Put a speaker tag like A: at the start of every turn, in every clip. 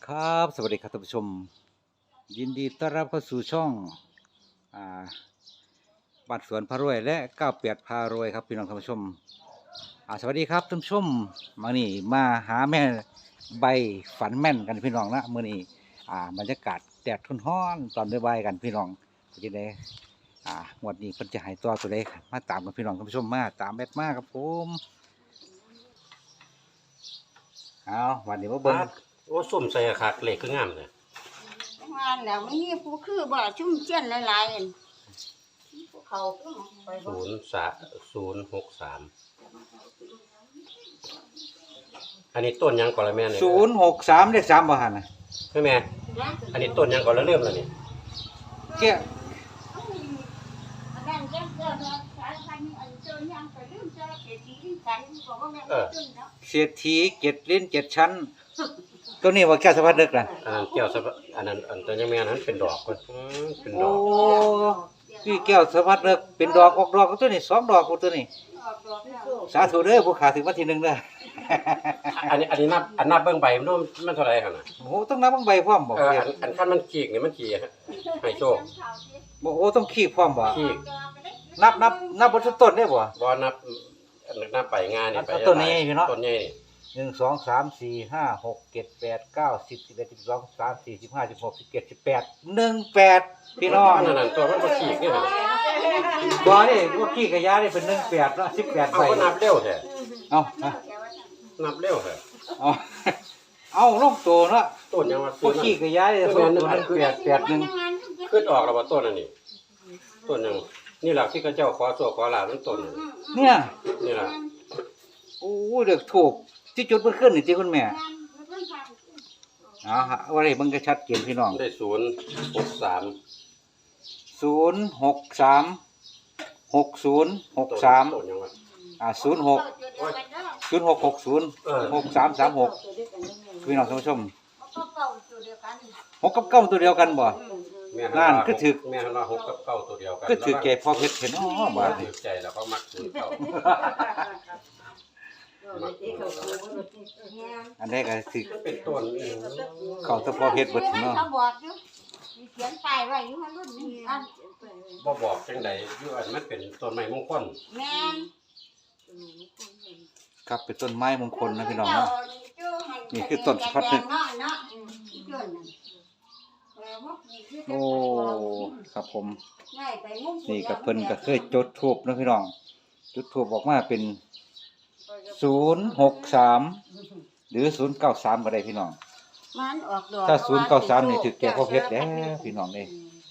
A: ครับสวัสดีครับท่านผู้ชมยินดีต้อนรับเข้าสู่ช่องอ่าบ้านสวนพารวยและ98พารวยครับพี่น้องท่านผู้ชมสวัสดีครับท่านผู้ชมมานี่มาหาแม่ใบฝันแม่นกันพี่น้องนะมื้อนี้บรรยากาศแดดร้อนๆตอนบ่ายๆกันพี่น้องจะได้งวดนี้เพิ่นจะให้ตัวตัวใดมาตามกันพี่น้องท่านผู้ชมมาตามแมทมาครับผมวันนี้มาเบิ่ง
B: โอ้ส้มใส่คักเหล็กคืองามเลย
C: งานแล้วมันมีผู้คือบ่ชุ่มเจียนหลายๆอันภูเขาคือไปบ่
B: 063อันนี้ต้นยังก่อนละแม่เนี่ย
A: 063เลข3บ่หั่นน่ะ
B: ใช่ไหมอันนี้ต้นยังก่อนละเริ่มแล้วนี่
A: แก้
C: อันนั้นแจ้งเกิดว่าสายพันธุ์อันเจอยังไปลืมเจอเศรษฐีที่สันบอกว่าแม่นตึ้งเนาะ
A: เศรษฐี7ลิ้น7ชั้นตัวนี้ว่าแก้วสะพัดนึกล่ะ
B: อันนั้นแก้วสะอันนั้นอันต้นยังแม่นั้นเป็นดอกก่อนเป็นด
A: โอ้
B: อก
A: พี่แก้วสะพัดนึกเป็นดอกออกดอกตัวนี้2ดอกตัวนี้
C: ออกดอกแล้ว
A: สาธุเด้อผู้ขาถึงวันที่1เด้อ
B: อันนี้นับเบิ่งใบมันเท่าไหร่คั่นน่ะ
A: โอ้โหต้องนับบังใบพร้อมบ่
B: อันคันมันขีกนี่มันขี้ให้โชค
A: บ่โอ้ต้องขี้พร้อมบ่
B: ขี้
A: นับบ่ทุกต้นได้บ่
B: บ่นับไปงานนี่ไป
A: ต้นนี้พี่เนาะ
B: ต้นใหญ่นี่
A: 1 2 3 4 5 6 7 8 9 10 11 12 13 14 15 16 17 18 18พี่น้อง
B: นั่นตัวมันบ่ขี้นี่หั่น
A: บ่นี่ว่าขี้กะยานี่เป็น18เนาะ18
B: เอา
A: ใบ
B: ก็นับเร็วแท้
A: เอานะ
B: นับเร็วแท้
A: เอาเอาลงตัวเนาะ
B: ต้นยังว่า
A: พวกขี้กะยานี่ตัวนึง881
B: ขึ้นออกแล้วว่าต้นอันนี้ต้นหนึงนี่ล่ะที่เขาเจ้าขอโชคขอลาภมันต้นนี่
A: เนี่ย
B: นี่ล่ะ
A: โอ้ยเด็กถูกที่จุดมันขึ้นนี่ที่คุณแม่ฮะว่าไรมันก็ชัดเจนพี่น้อง
B: ได้063
A: 063
B: ต้นยังว่า
A: 06 0660 6336พี่น้องท่านผู้ชม6กับ9ตัวเดียวกันบ่
B: แม่
A: นั่นคือถึก
B: แม่ว่า6กับ9ตัวเดียวกัน
A: ก็ถือแก่พอเพชรเห็นอ๋อบ่
B: ถือใจแล้วก็มักถือเก่า
A: อันนี้ก็ถือ
B: มันเป็นต้นนี่
A: เขาแตะพอเพชรเบิดเนาะ
C: เขาบอกอยู่มีเขียนป้ายไว้อยู่ว่ารุ่นนี้อัน
B: บ่บอกจังไดอยู่อันมันเป็นต้นไม้มงคล
C: แม่น
A: ครับเป็นต้นไม้มงคลนะพี่น้องเนาะ นี่คือต้นสะพัดนึก
C: เนาะเนาะเกินนั่น
A: โอ้ครับผม
C: ง่ายไปมุ่ง
A: นี่กับเพิ่นก็เคยจุดธูปนะพี่น้องจุดธูปออกมาเป็น063หรือ093ก็ได้พี่น้อง
C: มันออกดอก
A: ถ้า093นี่ถือแก่พอเพชรแล้วพี่น้องเด้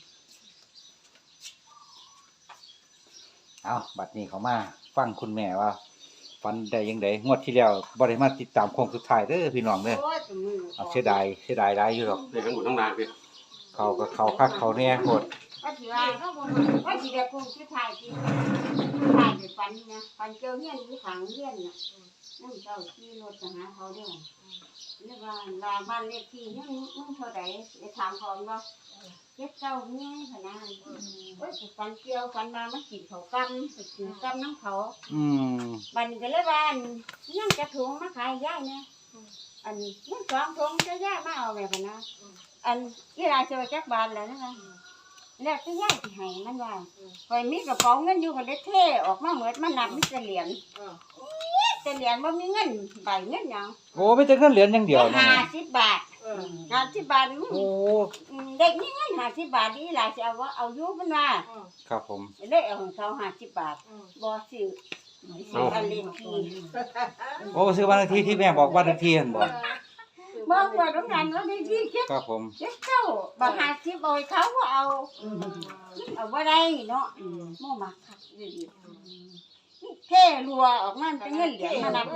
A: เอาบัดนี้เขามาฟังคุณแม่ว่าฟันได้ยังไงงวดที่แล้วบ่ได้มาติดตามโค้งสุดท้ายเด้อพี่น้องเด้อ
C: โอ้ยตัวมือ
A: เอาเสียดายหลายอยู่หรอก
B: เด็กทั้งหมดทั้งนานพี่
A: เขาก็เขาคักเขาแน่โหด
C: ว่าสิว่าเขาบ่ว่าสิได้คงสุดท้ายที่ถ่ายไปฟันนะฟันเจอเฮียนอยู่ข้างเฮียนน่ะนั่นเจ้าขี่รถไปหาเขาเด้อเรียกว่าลาบ้านเลขที่ยังมึงเท่าใดไปถามเขาว่าเจ็ดเจ้าเงี้ยขนาดนั้นโอ้ยสิฟันเกี่ยวฟันมามันกินเขากำไปกินกำน้ำเขา
A: อืม
C: บัดนี้ก็เลยว่าอันยังจะถุงมาขายย่ายเนี่ยอันนี้ยังสองถุงจะย่ายมาเอาแบบนะอันยี่ราเจอจักบาทแล้วนะคะแล้วจะย่ายที่ให้มันว่าคอยมีกระเป๋าเงินอยู่ก็เลยเทออกมาเหมือนมันนับมีแต่เหรียญแต่เหรียญว่ามีเงินใบเงินหยัง
A: โอ้ไม่แต่เงินเหรียญอย่างเดียวนะ
C: 50 บาท50 บาทมึง
A: โอ้
C: เด็กมีเงิน50 บาทนี่หลายจะเอาว่าเอาอยู่มันว่า
A: ครับผม
C: เลยเอาของเขา50 บาทบ่ซื้ออันเล่นที
A: โอ้ซื้อบ้านเลขที่ที่แม่บอกบ้านเลขที่นั่นบ่
C: บอกว่าต้องการว่าได้ที่เก็บ
A: ครับผม
C: เจ็ดเจ้าบ่หาสิบ่ให้เขาก็เอาบ่ได้เนาะบ่มักคักอีหลีเท่รัวออกมาเป็นเงินเหรียญมานับ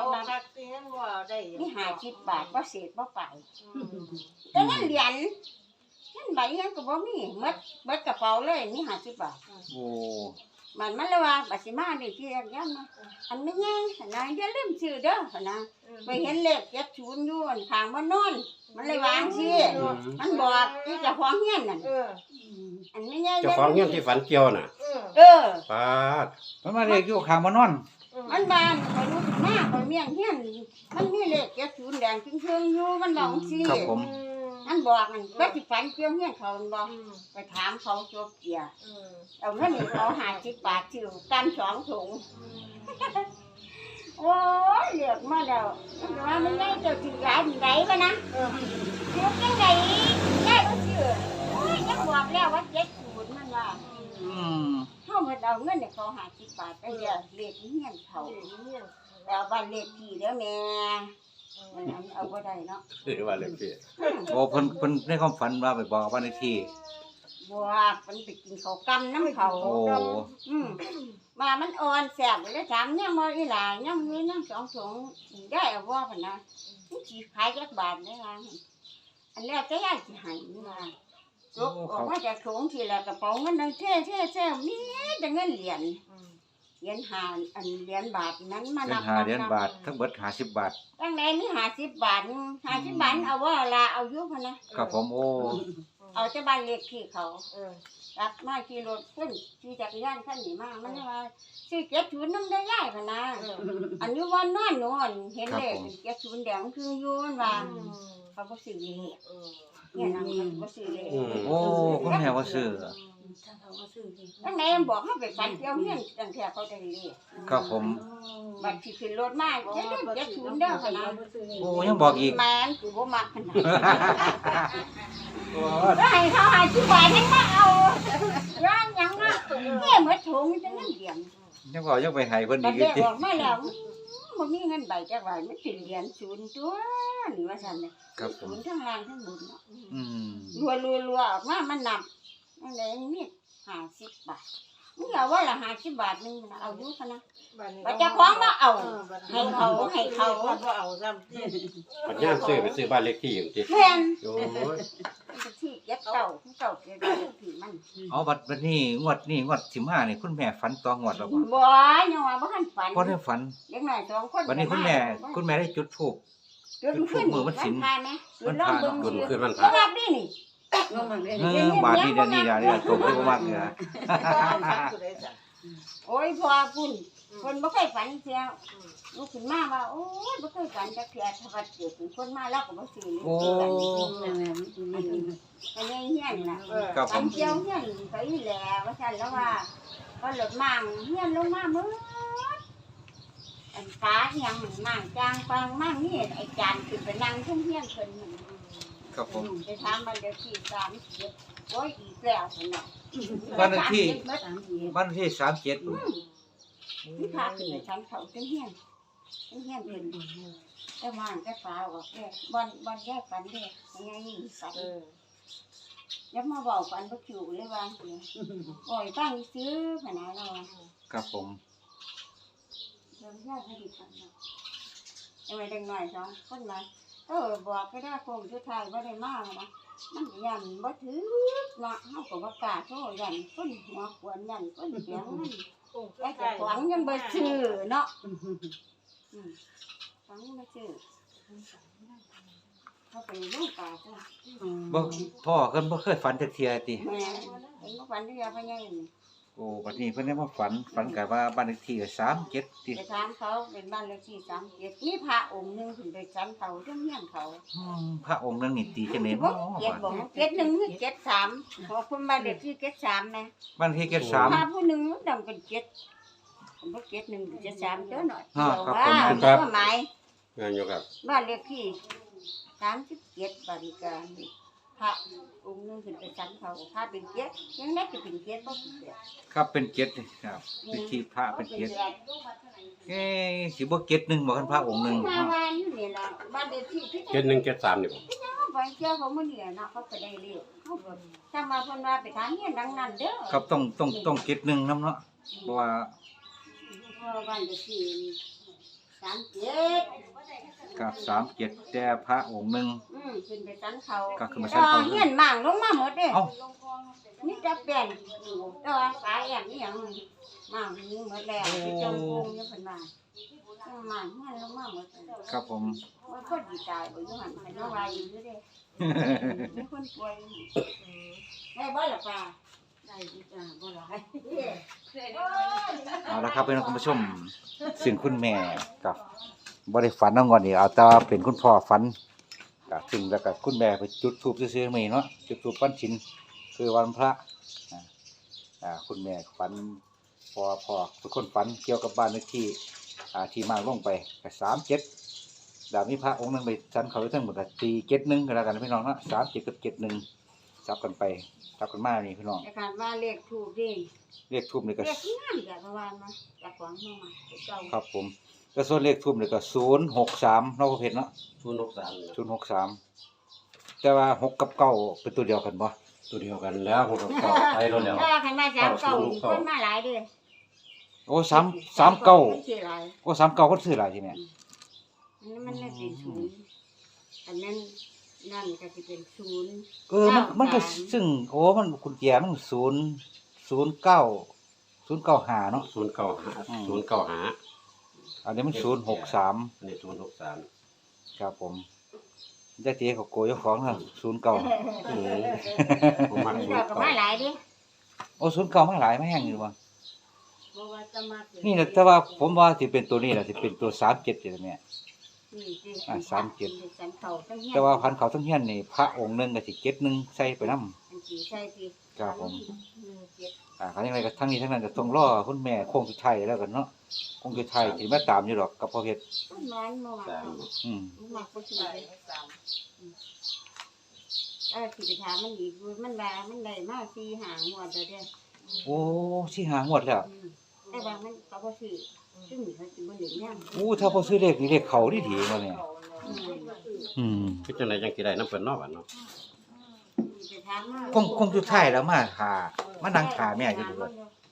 C: นี่50 บาทบ่เศษบ่ไปแต่เงินเหรียญเงินใบเงินก็บ่มีหมดเบิดกระเป๋าเลยมี50 บาท
A: โอ้
C: มันเลยว่าบัดสิมาได้ที่ยันนะอันไม่แย่นะอย่าลืมชื่อเด้อนะไปเห็นเลข70อยู่อันข้างบ่นอนมันเลยวางสิมันบอกที่เจ้าของเฮียนนั่นอันไม่แย่
B: เจ้าของเงี้ยที่ฝันเกี่ยวน่ะ
C: เออ
B: ปาด
A: มันมาเรียกอยู่ข้างมานอน
C: มันบ้านคอยรู้สึกมากคอยเมียงเฮียนมันมีเลข70แดงจึงเชิงอยู่มันบอกสิ
A: ครับผม
C: มันบอกมันก็สิฝันเกี่ยวเฮียนเขามันบอกไปถามเขาจบเกียร์เอาเงินนี่เขา50 บาทชื่อกัน2 ถุงโอ้ยเลือกมาแล้วมันว่ามันได้เจ้าสิหลายที่ไหนวะนะเลือกจังไดได้บ่ชื่อโอ้ยยังบอกแล้วว่า70มันว่า
A: อืม
C: เขามาเอาเงินเนี่ยเขา50 บาทไปเรียกเลขเฮียนเขาแต่บ้านเลขที่เด้อแม่มันเอาบ่ได้เนาะ
B: หรือว่าเลขที่
A: โอ้เพิ่นในความฝันว่าไปบอกบ้านเลขที่
C: บัวมันไปกินข้าวกำน้ำเขา
A: โอ้
C: มามันอ่อนแซ่บเลยถามยังบ่อีหลายังมียัง2 ถุงได้เอาบ่พุ่นนะมันสิขายจักบาทได้ล่ะอันแรกก็ยายสิให้นี่ล่ะจกออกมาจากถุงทีละกระเป๋าเงินนั่งเท่มีแต่เงินเหรียญหาอันเหรียญบาทนั้นมา
A: เป็น
C: นับ
A: 5เหรียญบาททั้งเบิด50 บาท
C: ตั้งแต่มี50 บาท50 บาทเอาว่าละเอาอยู่พะนะครับ
A: ผมโอ้
C: เอาแต่บ้านเลขที่เขารับมาขี่รถขึ้นขี่จักรยานขั้นนี้มามันว่าซื้อ70นำได้ยายพะนะอันนี้วันนอนหนูอันเห็นเลข70แดงคืออยู่มันว่าเขาบ่ซื้อเลขเนี่ยนำเขาบ่ซื้อเลข
A: โอ้คุณแม่ว่าซื้อ
C: ตั้งแต่บอกให้ไปฝันเกี่ยวเฮียนตั้งแต่เขาได้เลข
A: ครับผม
C: บัดที่ขึ้นรถมา70เด้อพะนะ
A: โอ้ยังบอกอีก
C: แม่นคือบ่มักขนาด
B: โอ้
C: ก็ให้เขา50 บาทให้มาเอาย่างหยังอ่ะแค่หมดถุงจังนั้นเหรียญ
A: ยังบอกยังไปให้เพิ่น
C: บั
A: อี
C: ด
A: ก
C: เด็ก
A: ติ
C: ออกมาแล้วบ่มีเงินใบจักใบมันสิเหรียญศูนย์ตัวนี่ว่าซั่นน่ะ
A: ครับผ
C: ศู
A: ม
C: นย์ทั้งล่างทั้งบนเนาะ
A: อืม
C: รัวออกมามันนับนั่นแหละมี50 บาทมึงเอาว่าละ50 บาทนึงเอาอยู่คั่นนะบัดเจ้าของบ่เอาให้เขา
D: บ่เอาซ้ำ
B: ปัญญามซื้อไปซื้อบ้านเลขที่อย่างที่
C: แม่น
B: โอ้ย
C: ที่เก็บเก่าเก่าเก็บได้ที่มัน
A: เอาบัดนี้งวดสิมานี่คุณแม่ฝันต่องวดแล้วบ่
C: บ่ยังว่าบ่ทันฝัน
A: บ่ได้ฝัน
C: เด็กน้อย2 คน
A: วันนี้คุณแม่ได้จุดธูป
C: จุดขึ้น
A: มือมันสิน
C: พาไหมจุดลองเบิ่ง
B: คุ
C: สิ
B: ขึ้นมัน
C: บ่
B: ขาด
C: รับนี่นี่
A: บาทนี้เดี๋ยวนี้ตกเลยมากเลยนะ
C: โอ้ยพอพุ่นคนบ่เคยฝันเสียลูกขึ้นมาว่าโอ้ยบ่เคยฝันจักเทื่อถ้าว่าเกิดเป็นคนมาแล้วก็บ่ซื้อ
A: โอ้
C: อันนี้เฮียนน่ะ
A: ครับผ
C: ฝัน
A: ม
C: เกี่ยวเฮียนไปอีแหละว่าซั่นแล้วว่าก็รถมั่งเฮียนลงมาหมดอันฟ้าอีหยังมั่งจางปังมั่งนี่ไอ้จานขึ้นไปนั่งทุ่งเฮียนเพิ่นนั่น
A: ครับผม
C: ไปถามมันเดี๋ยวที่30โอ้ยอีกแล้วพุ่นน่ะ
A: บ้านเลขที่
C: 37
A: บ้านที่37
C: ที่พาขึ้นไปชั้นเขาจังเฮียนเป็นแต่ว่างแต่ฟ้าออกแก่บอนแยกฝันเด้ยังไงนี่ฝันอย่ามาเว้าฝันบ่คิวเลยว่าโอ้ยฟังซื้อพะนะเรา
A: ครับผม
C: เดี๋ยวยากให้ดีฝันเนาะยังไงเด็กน้อย2คนมาบอกก็ได้คงสุดท้ายบ่ได้มานะมันยันบ่ถือเนาะเฮาก็บ่กล้าโทรยันคนหัวขวนยันคนเสียงมันแต่เจ้าของยังบ่ซื้อเนาะฟังบ่ซื้อเขาไปลูกป่าจ้ะ
A: บ่พ่อเพิ่นบ่เคยฝันจักเที่ยติ
C: แม่เห็นบ่ฝันที่ยาพะยังนี่
A: โอ้บัดนี้เพิ่นได้มาฝันก็ว่าบ้านเลขที่ก็37ติ
C: ไปถามเขาเป็นบ้านเลขที่37มีพระองค์หนึงขึ้นไปชั้นเขาจังเฮียนเขา
A: พระองค์นั้นนี่ตีจังได๋
C: บ่
A: เนาะ
C: เจ็ดบ่เจ็ดหนึ่งหรือเจ็ดสามขอคุณบ้านเลขที่73แม่
A: บ้านที่
C: พระ
A: 73
C: ผู้หนึงดังเป็น7ผมบ่71 73เด้อหน่อย
A: ครับ
C: ว่า
A: ผม
C: ก็หมาย
B: งานอยู่ครับ
C: บ้านเลขที่37บริการพระองค์หนึงขึ้นไปชั้นเขาพระเป็นเจ็ดยังได้จะเป็นเจ็ดบ่เป็นเจ็ด
A: ครับเป็น7นี่ครับพิธีพระเป็น7สิบ่7 1บ่คันพระองค์หนึง
C: มาบ้านอยู่นี่ล่ะบ้านเลขที่ที่
B: 7173นี่บ่
C: ไปเที่ยวเขามื้อนี้เนาะเขาก็ได้เรียกเขาก็ถ้ามาเพิ่นว่าไปทางเฮียนดังนั้นเด้อ
A: ครับต้อง7 1นำเนาะเพราะว่า
C: บ้านเลขที่37
A: กับ37แต่พระองค์หนึง
C: ขึ้นไปชั้นเขา
A: ก็ขึ้นไปชั้นเขา
C: เฮียนมั่งลงมาหมดเด้
A: เอ้า
C: นี่จะแป้งอยู่แต่ว่าสายแอนนี่หยังมั่งนี่หมดแล้วที่จงกงอยู่เพิ่นว่ามั่งเฮียนลงมาหมดเลย
A: ครับผม
C: ว่าคนดีตายบ่อยู่หั่นเพิ่นว่าว่าอยู่เด้มีคนป่วยได้บ่ล่ะป้าส่ดีจ้าบ่หลาย
A: เอาละครับพี่น้องคุณผู้ชมซึ่งคุณแม่กับบ่ได้ฝันเอางอนนี่เอาแต่ว่าเป็นคุณพ่อฝันก็ซึ่งแล้วก็คุณแม่ไปจุดธูปซื่อๆมื้อนี้เนาะจุดธูปวันศีลคือวันพระอ่าคุณแม่ฝันพ่อทุกคนฝันเกี่ยวกับบ้านเลขที่ที่มาลงไปก็37ดาวมีพระองค์หนึงไปชั้นเขาไว้ทั้งหมดก็471ก็แล้วกันพี่น้องเนาะ37กับ71จับกันไปจับกันมานี่พี่น้อง
C: แต่การว่าเลขถูกดิ
A: เลขทูบนี่ก็
C: เลขงามจ้ะประมาณมาจากของเฮามาเจ้า
A: ครับผมก็ส่วนเลขทูบนี่ก็063เนาะพ่อเพชรเนาะ
B: 063
A: 063แต่ว่า6กับ9เป็นตัวเดียวกันบ่
B: ตัวเดียวกันแล้วผมก็เข้าไปแล้วแล้ว
C: ถ้าคันว่า39นี่คนมาหลายเด้อ
A: โอ้39
C: คนสิหลาย
A: โอ้39คนซื้อหลายทีแม่
C: อันนั้นมันเลยเป็นศูนย์อันนั้นนั่นก็สิเป็นศูนย์
A: มันก็ซึ่งโอ้มันคุณแจมัน009 เนาะ
B: 095
A: อันนี้มัน063
B: อันนี้063
A: ครับผมยายเตี๋ยเขาโกยเจ้าของเนาะ09
B: ผมมัก
C: เจ้าก็มาหลายเด้อ
A: โอ้09มาหลายมาแฮงอยู่บ่
C: บ่ว่าจะมา
A: นี่นะแต่ว่าผมว่าสิเป็นตัวนี้ล่ะสิเป็นตัว37นี่แหละแม่
C: นี่สิ
A: 37
C: สันเขาทั้งเฮีย
A: แต่ว่าพันเขาทั้งเฮียนนี่พระองค์หนึงก็สิ71ใส่ไปนำ
C: อันสิใช่สิ
A: ครับผม
C: 17
A: ครั้งนี้อะไรก็ทั้งนี้ทั้งนั้นก็ต้องรอคุณแม่โค้งสุดท้ายแล้วกันเนาะโค้งสุดท้ายสิมาตามอยู่ดอกกับพ่อเพชร
C: มันร้อนบ่ว่าเขา มักบ่สิได้สิไปถามมันอีกมันว่ามันได้มา4 5งวดแล้วเด้อ
A: โอ้สิหางวดแล้ว
C: แต่ว่ามันก็บ่ซื้อซึ่งเขาสิบ่เห็นยัง
A: โอ้ถ้าบ่ซื้อเลขนี่เลขเขาดีๆบ่เนี่ย
B: คือจังไดจังสิได้นำเพิ่นเนาะบัดเนาะ
C: ไปถามมา
A: คงสุดท้ายแล้วมานั่งหาแม่อยู่ด้วย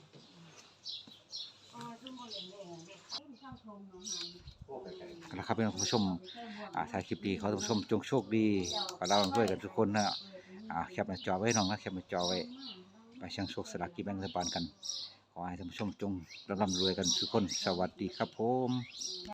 A: นะครับพี่น้องผู้ชมถ่ายคลิปดีขอให้ท่านผู้ชมจงโชคดีขอเราด้วยกันทุกคนนะแคปหน้าจอไว้น้องนะแคปหน้าจอไว้ไปเชียงโชคสลากกินแบ่งรัฐบาลกันขอให้ท่านผู้ชมจงร่ำรวยกันทุกคนสวัสดีครับผม